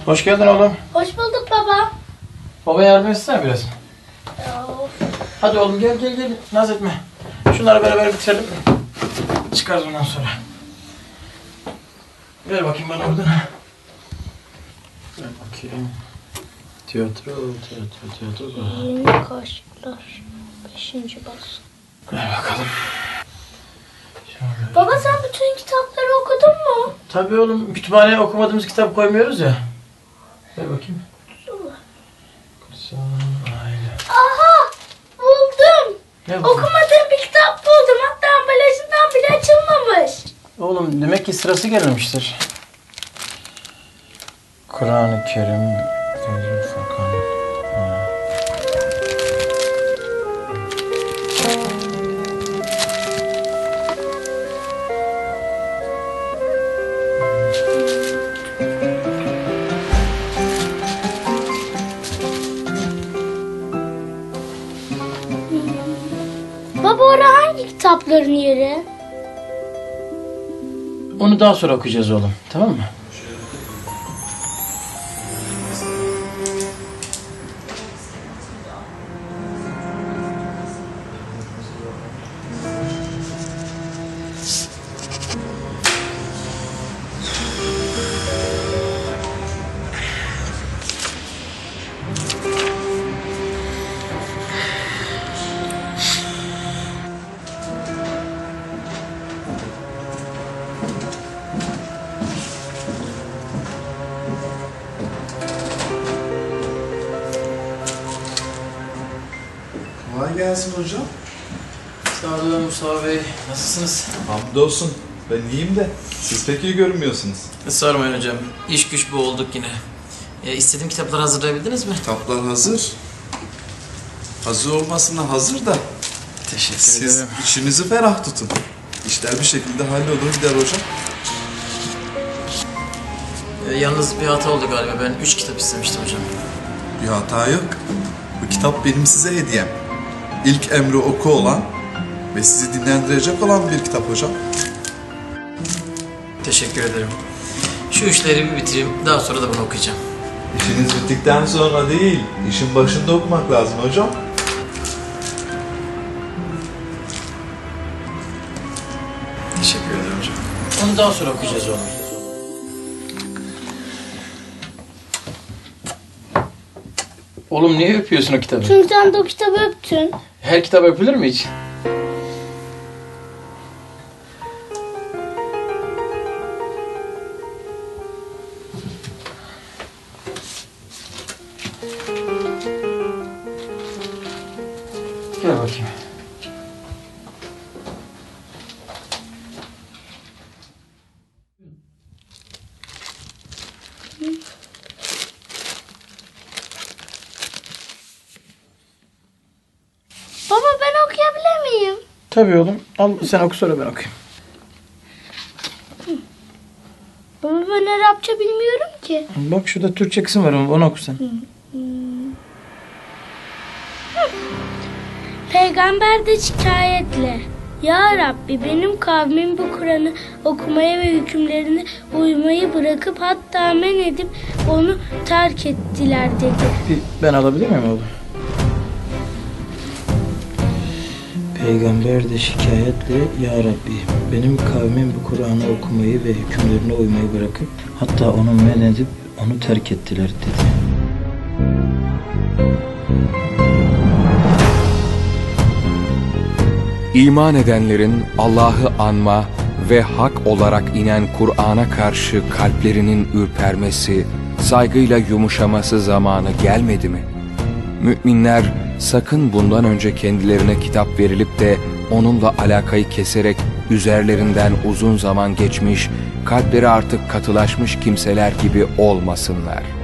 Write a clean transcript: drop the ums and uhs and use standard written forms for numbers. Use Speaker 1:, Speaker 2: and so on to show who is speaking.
Speaker 1: Hoş geldin oğlum.
Speaker 2: Hoş bulduk baba.
Speaker 1: Baba yardım etsene biraz.
Speaker 2: Of.
Speaker 1: Hadi oğlum gel. Naz etme. Şunları beraber bitirelim. Çıkarız ondan sonra. Ver bakayım bana oradan. Ver bakayım. Tiyatro.
Speaker 2: Yeni kaşıklar. 5. baskı.
Speaker 1: Ver bakalım. Şöyle.
Speaker 2: Baba sen bütün kitapları okudun mu?
Speaker 1: Tabii oğlum, kütüphaneye okumadığımız kitap koymuyoruz ya. Ver bakayım. Kutsal Aile.
Speaker 2: Aha! Buldum.
Speaker 1: Ne bu?
Speaker 2: Okumadığım bir kitap buldum. Hatta ambalajından bile açılmamış.
Speaker 1: Oğlum demek ki sırası gelmemiştir. Kur'an-ı Kerim, Feyzül Furkan. Ha.
Speaker 2: Baba orada hangi kitapların yeri?
Speaker 1: Onu daha sonra okuyacağız oğlum, tamam mı?
Speaker 3: Kolay gelsin hocam.
Speaker 1: Sağ olun Mustafa Bey, nasılsınız?
Speaker 3: Hamdolsun. Ben iyiyim de siz pek iyi görünmüyorsunuz.
Speaker 1: Sormayın hocam, iş güç bu olduk yine. İstediğim kitapları hazırlayabildiniz mi?
Speaker 3: Kitaplar hazır. Hazır olmasına hazır da
Speaker 1: Teşekkür
Speaker 3: siz
Speaker 1: ederim.
Speaker 3: işinizi ferah tutun. İşler bir şekilde hallolur gider hocam.
Speaker 1: Yalnız bir hata oldu galiba, ben 3 kitap istemiştim hocam.
Speaker 3: Bir hata yok. Bu kitap benim size hediyem. İlk emri oku olan ve sizi dinlendirecek olan bir kitap hocam.
Speaker 1: Teşekkür ederim. Şu işleri bir bitireyim, daha sonra da bunu okuyacağım.
Speaker 3: İşiniz bittikten sonra değil, işin başında okumak lazım hocam.
Speaker 1: Teşekkür ederim hocam. Onu daha sonra okuyacağız oğlum. Oğlum niye öpüyorsun o kitabı?
Speaker 2: Çünkü sen de o kitabı öptün.
Speaker 1: Her kitap öpülür mü hiç? Gel bakayım.
Speaker 2: Baba ben okuyabilir miyim?
Speaker 1: Tabii oğlum. Al sen oku, sonra ben okuyayım.
Speaker 2: Baba ben Arapça bilmiyorum ki.
Speaker 1: Bak şurada Türkçe kısım var, onu oku sen.
Speaker 2: Peygamber de şikayetle: Ya Rabbi, benim kavmim bu Kur'an'ı okumaya ve hükümlerine uymayı bırakıp hatta men edip onu terk ettiler dedi.
Speaker 1: Ben alabilir miyim oğlum? Peygamber de şikayetle: Ya Rabbi, benim kavmim bu Kur'an'ı okumayı ve hükümlerine uymayı bırakıp hatta onu men edip onu terk ettiler dedi.
Speaker 4: İman edenlerin Allah'ı anma ve hak olarak inen Kur'an'a karşı kalplerinin ürpermesi, saygıyla yumuşaması zamanı gelmedi mi? Müminler sakın bundan önce kendilerine kitap verilip de onunla alakayı keserek üzerlerinden uzun zaman geçmiş, kalpleri artık katılaşmış kimseler gibi olmasınlar.